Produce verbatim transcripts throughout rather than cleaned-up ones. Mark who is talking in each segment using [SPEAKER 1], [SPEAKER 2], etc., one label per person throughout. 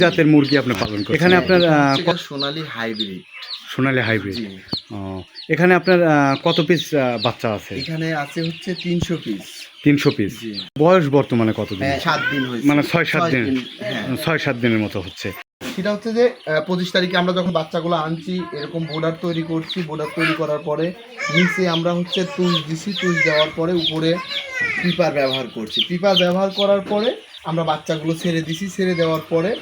[SPEAKER 1] জাতের মুরগি আপনি পালন করেন? এখানে আপনার আহ,
[SPEAKER 2] সোনালী হাইব্রিড।
[SPEAKER 1] সোনালী হাইব্রিড। ও, এখানে আপনার আহ, কত পিস বাচ্চা আছে?
[SPEAKER 2] এখানে আছে হচ্ছে তিনশো পিস।
[SPEAKER 1] তিনশো পিস। বয়স বর্তমানে কত দিন?
[SPEAKER 2] সাত দিন হয়েছে,
[SPEAKER 1] মানে ছয় সাত দিন,
[SPEAKER 2] হ্যাঁ
[SPEAKER 1] ছয় সাত দিনের মতো হচ্ছে।
[SPEAKER 2] সেটা হচ্ছে যে পঁচিশ তারিখে আমরা যখন বাচ্চাগুলো আনছি, এরকম বোর্ডার তৈরি করছি। বোর্ডার তৈরি করার পরে নিচে আমরা হচ্ছে তুষ দিছি। তুষ দেওয়ার পরে উপরে পিপার ব্যবহার করছি। পিপার ব্যবহার করার পরে আমরা বাচ্চাগুলো ছেড়ে দিছি। ছেড়ে দেওয়ার পরে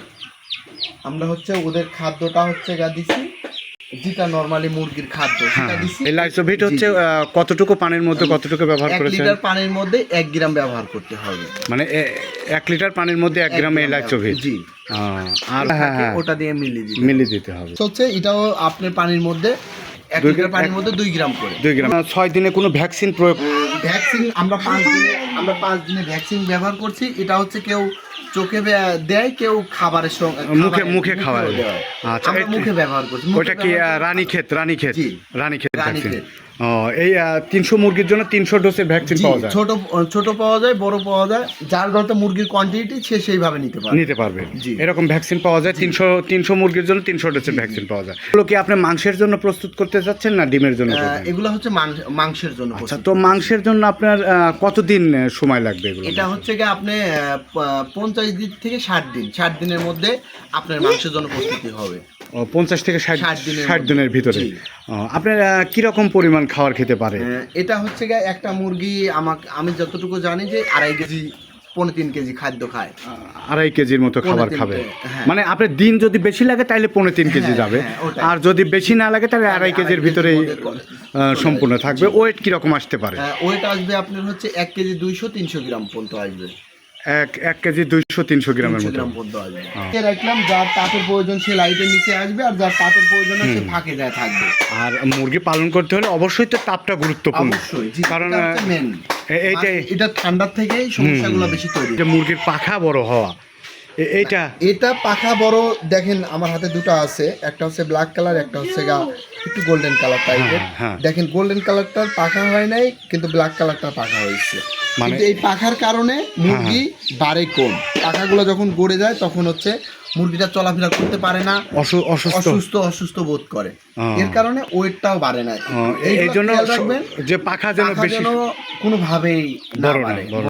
[SPEAKER 2] আমরা হচ্ছে ওদের খাদ্যটা হচ্ছে গা দিছি, যেটা নরমালি মুরগির খাদ্য সেটা দিছি।
[SPEAKER 1] এই লাইসোভিট হচ্ছে আহ, কতটুকু পানির মধ্যে কতটুকু ব্যবহার
[SPEAKER 2] এক
[SPEAKER 1] করেছেন?
[SPEAKER 2] লিটার পানির মধ্যে এক গ্রাম ব্যবহার করতে হবে।
[SPEAKER 1] মানে এ- এক লিটার পানির মধ্যে এক গ্রাম এই লাইসোভিট।
[SPEAKER 2] জি।
[SPEAKER 1] আর হ্যাঁ হ্যাঁ
[SPEAKER 2] ওটা দিয়ে মিলিয়ে দিতে
[SPEAKER 1] মিলিয়ে দিতে হবে।
[SPEAKER 2] হচ্ছে এটাও আপনার পানির মধ্যে এক
[SPEAKER 1] দুই
[SPEAKER 2] লিটার
[SPEAKER 1] গ্রাম-
[SPEAKER 2] পানির মধ্যে দুই গ্রাম করে।
[SPEAKER 1] দুই গ্রাম। ছয় দিনে কোনো ভ্যাকসিন প্রয়োগ?
[SPEAKER 2] ভ্যাকসিন আমরা পাঁচ দিনে আমরা পাঁচ দিনে ভ্যাকসিন ব্যবহার করছি। এটা হচ্ছে কেউ চোখে বে- দেয়, কেউ খাবারের সঙ্গে
[SPEAKER 1] মুখে মুখে খাওয়া
[SPEAKER 2] মুখেও দেয়।
[SPEAKER 1] আচ্ছা,
[SPEAKER 2] আমরা
[SPEAKER 1] এটা-
[SPEAKER 2] মুখে ব্যবহার করছি। মুখে
[SPEAKER 1] ওটা কি
[SPEAKER 2] ব্যবহার-
[SPEAKER 1] রানীক্ষেত? রানীক্ষেত
[SPEAKER 2] জি।
[SPEAKER 1] রানীক্ষেত ভ্যাকসিন।
[SPEAKER 2] রানীক্ষেত।
[SPEAKER 1] ও, এই তিনশো মুরগির জন্য তিনশো ডোজের ভ্যাকসিন
[SPEAKER 2] জি,
[SPEAKER 1] পাওয়া যায়?
[SPEAKER 2] ছোট ছোট পাওয়া যায়, বড় পাওয়া যায়। যার যত মুরগির কোয়ান্টিটি সে সেইভাবে নিতে পারে।
[SPEAKER 1] নিতে পারবে।
[SPEAKER 2] জি।
[SPEAKER 1] এরকম ভ্যাকসিন পাওয়া যায় তিনশো তিনশো মুরগির জন্য তিনশো ডোজের ভ্যাকসিন পাওয়া যায়। এগুলো কি আপনি মাংসের জন্য প্রস্তুত করতে চাচ্ছেন না ডিমের জন্য
[SPEAKER 2] আহ,
[SPEAKER 1] করবেন?
[SPEAKER 2] এগুলো হচ্ছে মাংস- মাংসের জন্য
[SPEAKER 1] আচ্ছা,
[SPEAKER 2] প্রস্তুত।
[SPEAKER 1] তো মাংসের জন্য আপনার আহ, কতদিন আহ, সময় লাগবে এগুলো?
[SPEAKER 2] এটা হচ্ছে কি আপনি আহ, প- পঞ্চাশ দিন থেকে ষাট দিন ষাট দিনের মধ্যে আপনার মাংসের জন্য প্রস্তুতি হবে।
[SPEAKER 1] ও, পঞ্চাশ থেকে ষাট
[SPEAKER 2] ষাট দিনের
[SPEAKER 1] ষাট
[SPEAKER 2] মধ্যে।
[SPEAKER 1] দিনের ভিতরে।
[SPEAKER 2] জি।
[SPEAKER 1] ও, আপনার আহ, কিরকম পরিমাণ খাবার খেতে পারে?
[SPEAKER 2] আহ, এটা হচ্ছে গিয়ে একটা মুরগি আমাকে আমি যতটুকু জানি যে আড়াই কেজি পৌনে তিন কেজি খাদ্য খায়।
[SPEAKER 1] আড়াই কেজির মতো খাবার
[SPEAKER 2] পৌনে
[SPEAKER 1] খাবে।
[SPEAKER 2] তিনটে, হ্যাঁ।
[SPEAKER 1] মানে আপনার দিন যদি বেশি লাগে তাহলে পৌনে তিন কেজি
[SPEAKER 2] হ্যাঁ,
[SPEAKER 1] যাবে।
[SPEAKER 2] হ্যাঁ, ওটাই।
[SPEAKER 1] আর যদি বেশি না লাগে তাহলে আড়াই
[SPEAKER 2] আড়াই
[SPEAKER 1] কেজির
[SPEAKER 2] কেজির
[SPEAKER 1] ভিতরেই
[SPEAKER 2] মধ্যে করে।
[SPEAKER 1] আহ, সম্পূর্ণ থাকবে। ওয়েট কিরকম আসতে পারে?
[SPEAKER 2] ওয়েট আসবে আপনার হচ্ছে এক কেজি দুইশো তিনশো গ্রাম পর্যন্ত আসবে।
[SPEAKER 1] এক এক কেজি দুইশো তিনশো গ্রামের
[SPEAKER 2] তিনশো
[SPEAKER 1] মতো।
[SPEAKER 2] গ্রাম পর্যন্ত আসবে।
[SPEAKER 1] হ্যাঁ।
[SPEAKER 2] এ রাখলাম, যার তাপের প্রয়োজন সে লাইটের নিচে আসবে, আর যার তাপের প্রয়োজন আছে ফাঁকে যায় থাকবে।
[SPEAKER 1] আর মুরগি পালন করতে হলে অবশ্যই তো তাপটা গুরুত্বপূর্ণ।
[SPEAKER 2] অবশ্যই জি,
[SPEAKER 1] কারণ
[SPEAKER 2] এটা হচ্ছে main।
[SPEAKER 1] এ- এইটাই
[SPEAKER 2] এটা ঠান্ডার থেকেই সমস্যাগুলো বেশি তৈরি
[SPEAKER 1] যে মুরগির পাখা বড় হওয়া এ- এইটা
[SPEAKER 2] এটা পাখা বড়। দেখেন আমার হাতে দুটো আছে, একটা হচ্ছে ব্ল্যাক কালার, একটা হচ্ছে গা একটু গোল্ডেন কালার টাইপের।
[SPEAKER 1] হ্যাঁ, হ্যাঁ।
[SPEAKER 2] দেখেন গোল্ডেন কালারটার পাখা হয় নাই, কিন্তু ব্ল্যাক কালারটার পাখা হয়েছে।
[SPEAKER 1] মানে-
[SPEAKER 2] কিন্তু এই পাখার কারণে মুরগি বাড়ে কম। পাখাগুলো যখন গড়ে যায় তখন হচ্ছে মুরগিটা চলাফেরা করতে পারে না,
[SPEAKER 1] অসু- অসুস্থ
[SPEAKER 2] অসুস্থ অসুস্থ বোধ করে।
[SPEAKER 1] হ্যাঁ।
[SPEAKER 2] এর কারণে ওয়েটটাও বাড়ে না।
[SPEAKER 1] ও, এই
[SPEAKER 2] এইগুলো
[SPEAKER 1] জন্য
[SPEAKER 2] খেয়াল রাখবেন,
[SPEAKER 1] যে পাখা যেন
[SPEAKER 2] পাখা
[SPEAKER 1] বেশি
[SPEAKER 2] যেন কোনোভাবেই না
[SPEAKER 1] বড় না
[SPEAKER 2] বাড়ে।
[SPEAKER 1] বড়